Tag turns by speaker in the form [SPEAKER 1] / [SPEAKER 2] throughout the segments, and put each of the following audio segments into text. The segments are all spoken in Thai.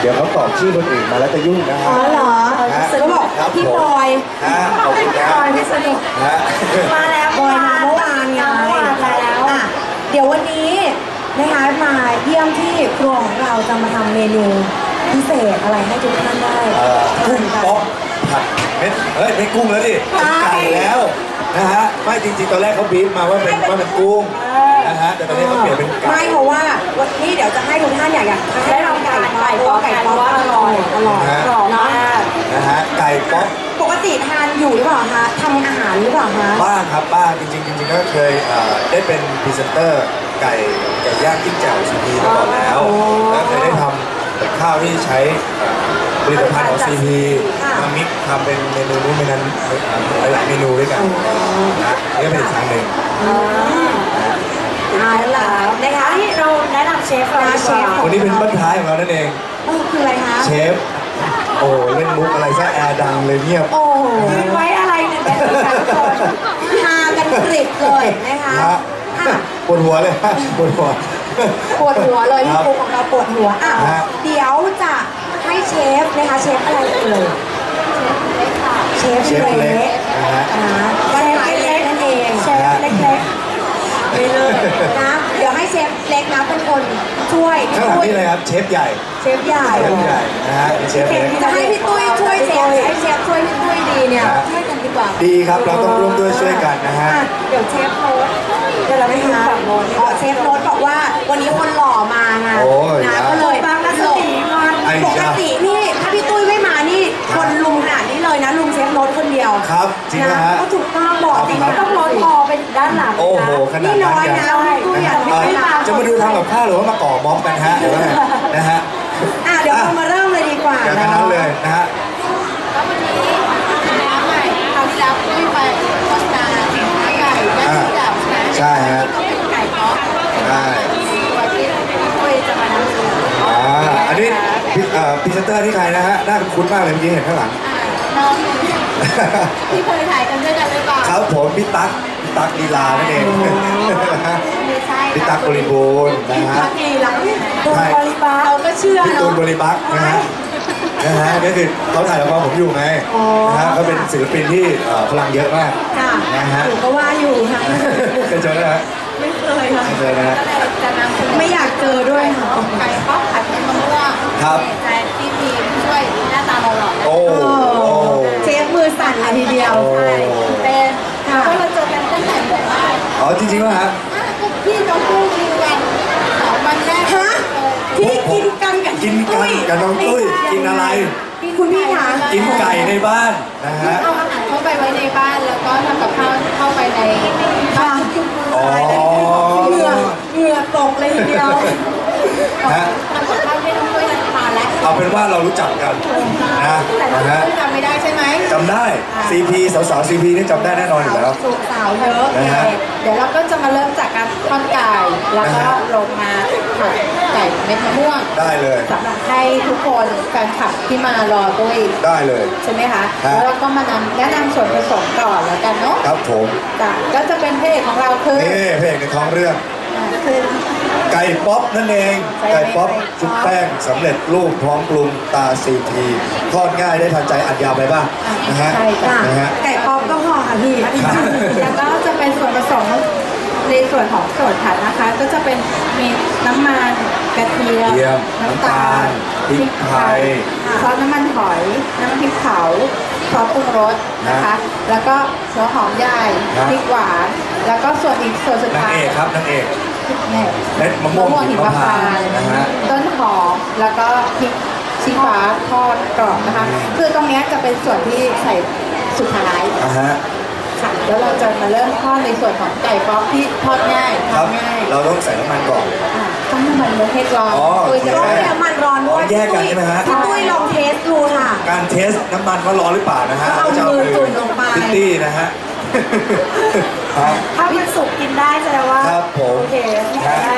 [SPEAKER 1] ดี๋ยวเขาตอบชื่อคนอื่นมาแล้วจะยุ่งนะฮะ
[SPEAKER 2] อ๋อเหรอเขาบอกพี่บอย
[SPEAKER 1] ขอบคุณครับ
[SPEAKER 2] บอยพิษณุมาแล้วบอยมาเมื่อวานไงแล้วเดี๋ยววันนี้นะคะมาเยี่ยมที่ครัวของเราจะมาทำเมนูพิเศษอะไรให้ทุกท่านได้
[SPEAKER 1] กุ้งป๊อกผัดเม็ดไม่กุ้งแล้วดิไก่แล้วนะฮะไม่จริงๆตอนแรกเขาบีบมาว่าเป็นกุ้งนะฮะแต่ตอนนี้เขาเปลี่ยนเป็นไก่
[SPEAKER 2] ไม่เพราะว่าวันนี้เดี๋ยวจะให้ทุกท่านอยากได้ลองไก่เพราะว่าไก่ป๊อกอร่อยกรอบมาก
[SPEAKER 1] นะฮะไก่ป๊อก
[SPEAKER 2] ปกติทานอยู่หรือเปล่าคะทำอาหารหรือเปล่าคะ
[SPEAKER 1] บ้างครับบ้างจริงๆก็เคยได้เป็นพรีเซนเตอร์ไก่ย่างจิ้มแจ่วซีพีมาก่อนแล้วเคยได้ทำกับข้าวที่ใช้ผลิตภัณฑ์ของซีพีมามิกทำเป็นเมนูนู้นเมนูนั้นหลายเมนูด้วยกันนะนี่ก็เป็นอีกทางหนึ่ง
[SPEAKER 2] แล้วนะคะที่เราแนะนำเชฟ
[SPEAKER 1] วันนี้เป็นบ้านท้ายของเรานั่นเอง
[SPEAKER 2] คืออะไรคะ
[SPEAKER 1] เชฟโอ้เล่นมุกอะไรซะแอร์ดังเลยเงียบ
[SPEAKER 2] โอ้ไว้อะไรหนึ่งนาทีค่ะทุกคนฮากันกริบเลยนะคะ
[SPEAKER 1] ปวดหัวเลยปวดหัว
[SPEAKER 2] เลยพี่ปุ๊กของเราปวดหัวเดี๋ยวจะให้เชฟนะคะเชฟอะไรเอ่ยเชฟเล็กก็เชฟเล็กนั่นเองเชฟเล็กไม่เลยนะเดี๋ยวให้เชฟเล็กนะเป็นคนช่วย
[SPEAKER 1] ข้างหลังนี่เลยครับเชฟใหญ่นะฮะเชฟเล็ก
[SPEAKER 2] จะให้พี่ตุ้ยช่วยเชฟให้เชฟช่วยพี่ตุ้ยดีเนี่ยช่วยกันดีกว่า
[SPEAKER 1] ดีครับเราต้องร่วมด้วยช่วยกันนะฮะ
[SPEAKER 2] เดี๋ยวเชฟโน้ตเดี๋ยวเราไปหาเชฟโน้ตบอกว่าวันนี้คนหล่อมาไงนะก็เลยบางรัศมีปกตินี่ถ้าพี่ตุ้ยไม่มานี่คนลุมขนาดนี้เลยนะลุมเชฟโน้ตคนเดียว
[SPEAKER 1] ครับจริงนะฮะ
[SPEAKER 2] ก็ถูกต้องบอกจริงต้องโน้ตคอเป็นด้านหลัง
[SPEAKER 1] โอ้โหขนาดนั้นจะมาดูทำกับข้าวหรือว่ามาก่อม็อบกันฮะเดี๋ยวนะฮะ
[SPEAKER 2] เดี๋ยวเรามาเริ่มเลยดีกว่า
[SPEAKER 1] อย่างนั้นเลยนะฮะ
[SPEAKER 3] แล้ววันนี้น้ำใหม่คราวที่แล้วไม่ไปโฆษณาไก่ย่างที่ดับ
[SPEAKER 1] ใช่ฮะ
[SPEAKER 3] ก็เป็นไก่ป๊อก
[SPEAKER 1] ใช่
[SPEAKER 3] วันที่คุยจะมานำเสนอ
[SPEAKER 1] อันนี้พรีเซนเตอร์ที่ใครนะฮะน่าคุ้นมากเลยเมื่อกี้เห็นข้างหลัง
[SPEAKER 3] น้องที่เคยถ่ายกันด้วยกันหรือเปล่า
[SPEAKER 1] ครับผมพี่ตั๊กลีลานั่นเองพี่ตั๊กบริบูรณ์นะฮะ
[SPEAKER 2] เราก็เชื่อ
[SPEAKER 1] พี่ตูนบริบักนะฮะนี่คือเขาถ่ายละครผมอยู่ไงนะฮะเขาเป็นศิลปินที่พลังเยอะมากนะฮะ
[SPEAKER 2] ก็ว่าอยู่ค่ะ
[SPEAKER 1] เคยเจอไหมฮะ
[SPEAKER 2] ไม่เคยค่ะ
[SPEAKER 1] ไม่เคยนะฮะ
[SPEAKER 2] ไม่อยากเจอด้วยค่ะ
[SPEAKER 3] ไก่ป๊อกผัดเป็นมะม่วง
[SPEAKER 1] ครับ
[SPEAKER 3] แต่ที่มีช่วยหน้าตาหล่อๆ
[SPEAKER 1] โอ้
[SPEAKER 2] เชฟมือสั่นเลยทีเดียว
[SPEAKER 3] ใช่เป็นเพราะเราเจอกันตั้งแต่แบบว่า
[SPEAKER 1] จริงๆว่าฮะ
[SPEAKER 3] พี่น้องตุ้ยกินกันวันแรก
[SPEAKER 2] ที่กินกันกับ
[SPEAKER 1] น้องตุ้ยกินอะไร
[SPEAKER 2] คุณพี่คะ
[SPEAKER 1] กินไก่ในบ้านนะฮะ
[SPEAKER 3] เอาอาหารเข้าไปไว้ในบ้านแล้วก็ทำกับข้าวเข้าไปในบ้าน
[SPEAKER 2] เหงื่อตกเลยทีเดียว
[SPEAKER 3] ทำกับข้าวให้น้องตุ้ยทานแล้ว
[SPEAKER 1] เอาเป็นว่าเรารู้จักกัน
[SPEAKER 3] นะฮะจำไม่ได้ใช่ไหม
[SPEAKER 1] จำได้ CP สาวๆ CP นี่จำได้แน่นอนอยู่แล้ว
[SPEAKER 3] สาวเยอะนะฮะเดี๋ยวเราก็จะมาเริ่มจากการทอดไก่แล้วก็ลงมาผัดไก่เม็ดมะม่วง
[SPEAKER 1] ได้เลย
[SPEAKER 3] สำหรับให้ทุกคนแฟนคลับที่มารอตุ้ย
[SPEAKER 1] ได้เลย
[SPEAKER 3] ใช่ไหมคะแล้วเราก็มาแนะนำส่วนผสมก่อนแล้วกันเนาะ
[SPEAKER 1] ครับผม
[SPEAKER 3] ก็จะเป็นพระเอกของเราคือ
[SPEAKER 1] พระเอกในท้องเรื่องไก่ป๊อปนั่นเองไก่ป๊อปชุบแป้งสำเร็จรูปพร้อมปรุงตาCPทอดง่ายได้ทันใจอัดยาวไปบ้างนะฮะ
[SPEAKER 2] ไก่ป๊อปก็พอค่ะพี่
[SPEAKER 3] แล้วก็จะเป็นส่วนผสมในส่วนของส่วนผัดนะคะก็จะเป็นมีน้ำมันกระเทียม
[SPEAKER 1] น้ำตาลพริกไทย
[SPEAKER 3] ซอสน้ำมันหอยน้ำพริกเผาซอสปรุงรสนะคะแล้วก็หัวหอมใหญ่พริกหวานแล้วก็ส่วนสุดท้าย
[SPEAKER 1] นางเอกครับนางเอกเม็ดมะม่วงหิมพานต์นะฮะ
[SPEAKER 3] ต้นหอมแล้วก็พริกชี้ฟ้าทอดกรอบนะคะคือตรงนี้จะเป็นส่วนที่ใส่สุดท้ายค่ะแล้วเราจะมาเริ่มทอดในส่วนของไก่ป๊อกที่ทอดง่าย
[SPEAKER 1] เราต้องใส่น้ำมันก่อน
[SPEAKER 3] ต้องน้ำมันให้ร้อน
[SPEAKER 2] ตุ้ยจะต้องน้ำมันร้อนด้วย
[SPEAKER 1] แยกกันใช่ไหมฮะ
[SPEAKER 2] พี่ตุ้ยลองเทสดูค่ะ
[SPEAKER 1] การเทสน้ำมันว่าร้อนหรือเปล่านะฮะ
[SPEAKER 2] เอามือจุ่มลงไป
[SPEAKER 1] พิตตี้นะฮะ
[SPEAKER 2] ถ้ามันสุกกินได้แสดงว่า
[SPEAKER 1] ครับผม
[SPEAKER 2] โอเคได้พี่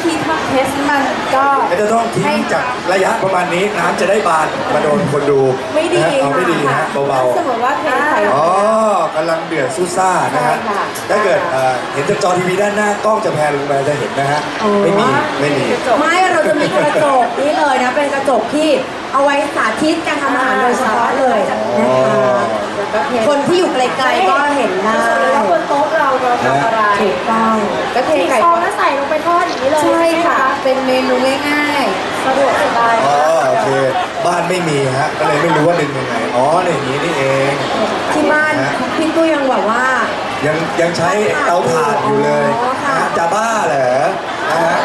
[SPEAKER 3] ธีทำเทสมันก็
[SPEAKER 1] ก็จะต้องทิ้งจากระยะประมาณนี้น้ำจะได้บานมาโดนคนดู
[SPEAKER 2] ไม่ดี
[SPEAKER 1] นะฮะเอาไม่ดีฮะเบา
[SPEAKER 3] สมมติว่าเทใส่
[SPEAKER 1] ๆอ๋อกำลังเดือดซู่ซ่านะฮะ
[SPEAKER 3] ใช่ค่ะ
[SPEAKER 1] ถ้าเกิดเห็นจากจอทีวีด้านหน้ากล้องจะแพนลงมาจะเห็นนะฮะไม่มี
[SPEAKER 2] ไม่เราจะมีกระจกนี่เลยนะเป็นกระจกที่เอาไว้สาธิตการทำอาหารโดยเฉพาะเลยนะคะคนที่อยู่ไกลๆก็เห็นได้
[SPEAKER 3] แล้วบนโต๊ะเราทำอะไร
[SPEAKER 2] ถูกต้อง
[SPEAKER 3] ก็เทไก่
[SPEAKER 4] ฟองแล้วใส่ลงไปทอดอย่างนี้เลย
[SPEAKER 3] ใช่ค่ะ เป็นเมนูง่ายๆสะดวกสบาย
[SPEAKER 1] อ๋อโอเคบ้านไม่มีฮะก็เลยไม่รู้ว่าดึงยังไงอ๋ออย่างนี้นี่เอง
[SPEAKER 2] ที่บ้านพี่ตู้ยังแบบว่า
[SPEAKER 1] ยังใช้เตาถ่านอยู่เลย
[SPEAKER 2] อ๋อค่ะ
[SPEAKER 1] นะจะบ้าเหรอนะฮะ